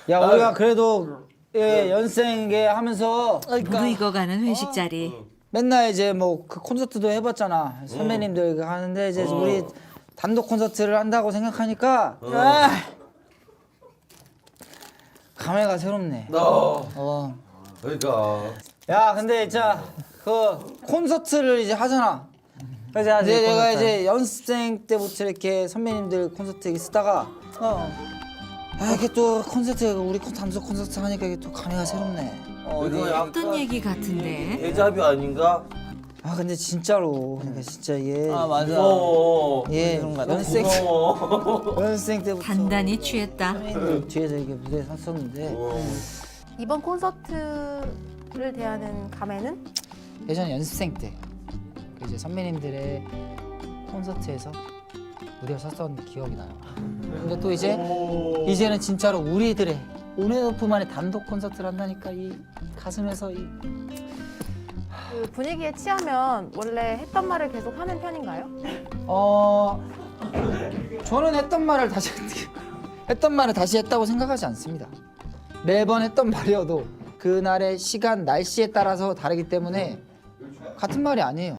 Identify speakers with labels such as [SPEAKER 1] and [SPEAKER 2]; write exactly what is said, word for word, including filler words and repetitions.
[SPEAKER 1] 야 우리가 그래도 예, 연생계 하면서
[SPEAKER 2] 무르익어가는 회식 자리.
[SPEAKER 1] 맨날 이제 뭐 그 콘서트도 해봤잖아. 선배님들 하는데 이제 우리 단독 콘서트를 한다고 생각하니까 아, 감회가 새롭네.
[SPEAKER 3] 어.
[SPEAKER 1] 어.
[SPEAKER 3] 그러니까.
[SPEAKER 1] 야 근데 진짜 그 콘서트를 이제 하잖아.
[SPEAKER 4] 그지 하지.
[SPEAKER 1] 이제 내가 이제 연습생 때부터 이렇게 선배님들 콘서트 이렇게 쓰다가 어. 아 이게 또 콘서트 우리 콘- 단독 콘서트 하니까 이게 또 감회가 새롭네.
[SPEAKER 3] 어, 이거 약간
[SPEAKER 2] 어떤 얘기 같은데?
[SPEAKER 3] 데자뷰 아닌가?
[SPEAKER 1] 아 근데 진짜로 그러니까 진짜 얘
[SPEAKER 4] 아 맞아.
[SPEAKER 3] 어.
[SPEAKER 1] 예,
[SPEAKER 4] 그런 거 같아.
[SPEAKER 1] 연습생
[SPEAKER 3] 고마워.
[SPEAKER 1] 연습생 때부터
[SPEAKER 2] 단단히 취했다.
[SPEAKER 1] 선배님들 뒤에서 이렇게 무대에 섰었는데
[SPEAKER 5] 이번 콘서트를 대하는 감회는?
[SPEAKER 1] 예전 연습생 때그 이제 선배님들의 콘서트에서 무대에 섰었던 기억이 나요. 근데 또 이제 이제는 진짜로 우리들의 온앤오프만의 단독 콘서트를 한다니까 이 가슴에서 이
[SPEAKER 5] 그 분위기에 취하면 원래 했던 말을 계속 하는 편인가요?
[SPEAKER 1] 어 저는 했던 말을 다시 했던 말을 다시 했다고 생각하지 않습니다. 매번 했던 말이어도 그날의 시간 날씨에 따라서 다르기 때문에 같은 말이 아니에요.